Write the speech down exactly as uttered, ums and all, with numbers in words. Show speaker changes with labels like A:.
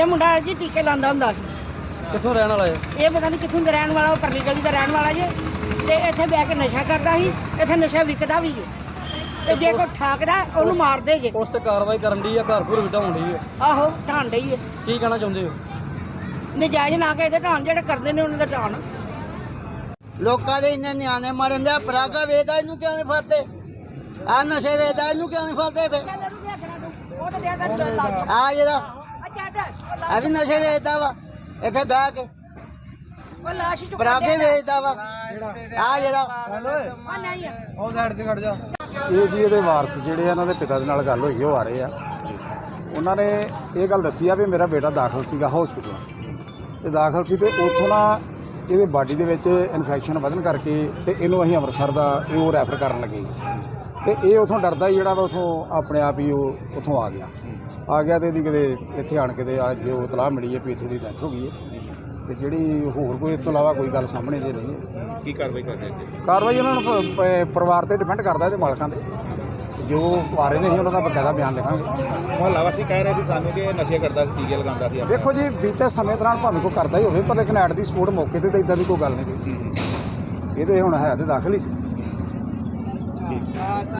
A: ਇਹ ਮੁੰਡਾ ਜੀ ਟੀਕੇ ਲਾਉਂਦਾ ਹੁੰਦਾ ਸੀ।
B: ਕਿੱਥੋਂ ਰਹਿਣ ਵਾਲਾ ਹੈ
A: ਇਹ ਪਤਾ ਨਹੀਂ ਕਿੱਥੋਂ ਦਾ ਰਹਿਣ ਵਾਲਾ, ਉਹ ਪਰਲੀ ਗਲੀ ਦਾ ਰਹਿਣ ਵਾਲਾ ਜੇ। ਤੇ ਇੱਥੇ ਬਹਿ ਕੇ ਨਸ਼ਾ ਕਰਦਾ ਸੀ, ਇੱਥੇ ਨਸ਼ਾ ਵਿਕਦਾ ਵੀ ਹੈ। ਤੇ ਜੇ ਕੋਈ ਠਾਕਦਾ ਉਹਨੂੰ ਮਾਰਦੇ ਜੇ।
B: ਉਸ ਤੇ ਕਾਰਵਾਈ ਕਰਨ ਦੀ ਆ, ਘਰ ਘਰ ਵਿਟਾਉਣ ਦੀ ਹੈ।
A: ਆਹੋ ਢਾਣ ਡਈ ਹੈ।
B: ਕੀ ਕਹਿਣਾ ਚਾਹੁੰਦੇ ਹੋ?
A: ਨਜਾਇਜ਼ ਨਾ ਕੇ ਇਹਦੇ ਢਾਣ, ਜਿਹੜੇ ਕਰਦੇ ਨੇ ਉਹਨਾਂ ਦਾ ਢਾਣ।
C: ਲੋਕਾਂ ਦੇ ਇੰਨੇ ਨਿਆਣੇ ਮਰਨ ਦੇ, ਪਰਾਗਾ ਵੇਚਦਾ ਇਹਨੂੰ ਕਿਉਂ ਨਹੀਂ ਫੜਦੇ? ਆ ਨਸ਼ੇ ਵੇਚਦਾ ਇਹਨੂੰ ਕਿਉਂ ਨਹੀਂ ਫੜਦੇ? ਫੇ ਆ ਜਿਹੜਾ ਆ ਵੀ ਨਸ਼ੇ ਵੇਚਦਾ ਵਾ ਇੱਥੇ ਬਹਿ ਕੇ, ਪਰਾਗੇ ਵੇਚਦਾ ਵਾ ਆ ਜਿਹੜਾ।
B: ਉਹ ਸਾਈਡ ਤੇ ਖੜ ਜਾ।
D: ਇਹ ਜੀ ਇਹਦੇ ਵਾਰਸ ਜਿਹੜੇ ਆ, ਇਹਨਾਂ ਦੇ ਪਿਤਾ ਦੇ ਨਾਲ ਗੱਲ ਹੋਈ, ਉਹ ਆ ਰਹੇ ਆ। ਉਹਨਾਂ ਨੇ ਇਹ ਗੱਲ ਦੱਸੀ ਆ ਵੀ ਮੇਰਾ ਬੇਟਾ ਦਾਖਲ ਸੀਗਾ ਹਸਪੀਟਲ, ਤੇ ਦਾਖਲ ਸੀ ਤੇ ਉੱਥੋਂ ਨਾ ਇਹਦੇ ਬਾਡੀ ਦੇ ਵਿੱਚ ਇਨਫੈਕਸ਼ਨ ਵਧਣ ਕਰਕੇ ਤੇ ਇਹਨੂੰ ਅਸੀਂ ਅੰਮ੍ਰਿਤਸਰ ਦਾ ਇਹ ਉਹ ਰੈਫਰ ਕਰਨ ਲੱਗੇ। ਤੇ ਇਹ ਉੱਥੋਂ ਡਰਦਾ ਹੀ ਜਿਹੜਾ ਵਾ ਉੱਥੋਂ ਆਪਣੇ ਆਪ ਹੀ ਉਹ ਉੱਥੋਂ ਆ ਗਿਆ ਆ ਗਿਆ ਤੇ ਇਹਦੀ ਕਿਤੇ ਇੱਥੇ ਆਣ ਕੇ ਤੇ ਅੱਜ ਉਹ ਇਤਲਾਹ ਮਿਲੀ ਹੈ ਵੀ ਇੱਥੇ ਦੀ ਡੈਥ ਹੋ ਗਈ ਹੈ। ਤੇ ਜਿਹੜੀ ਹੋਰ ਕੋਈ ਇਸ ਤੋਂ ਇਲਾਵਾ ਕੋਈ ਗੱਲ ਸਾਹਮਣੇ ਦੇ ਨਹੀਂ ਹੈ।
E: ਕੀ ਕਾਰਵਾਈ ਕਰਦੇ ਹੋ?
D: ਕਾਰਵਾਈ ਉਹਨਾਂ ਨੂੰ ਪ- ਪ- ਪਰਿਵਾਰ ਤੇ ਡਿਪੈਂਡ ਕਰਦਾ, ਇਹਦੇ ਮਾਲਕਾਂ ਦੇ ਜੋ ਆ ਰਹੇ ਨੇ ਅਸੀਂ ਉਹਨਾਂ ਦਾ ਬਕਾਇਦਾ ਬਿਆਨ ਲਿਖਾਂਗੇ।
E: ਮੁਹੱਲਾ ਵਾਸੀ ਕਹਿ ਰਹੇ ਸੀ ਸਾਨੂੰ ਕਿ ਇਹ ਨਸ਼ੇ ਕਰਦਾ ਸੀ, ਟੀਕੇ ਲਗਾਉਂਦਾ ਸੀ।
D: ਦੇਖੋ ਜੀ, ਬੀਤੇ ਸਮੇਂ ਦੌਰਾਨ ਭਾਵੇਂ ਕੋਈ ਕਰਦਾ ਹੀ ਹੋਵੇ, ਪਰ ਲੇਕਿਨ ਐਟ ਦੀ ਸਪੋਰਟ ਮੌਕੇ ਤੇ ਤਾਂ ਇਦਾਂ ਦੀ ਕੋਈ ਗੱਲ ਨਹੀਂ। ਇਹ ਤੇ ਹੁਣ ਹੈ ਤੇ ਦਾਖਲ ਹੀ ਸੀ।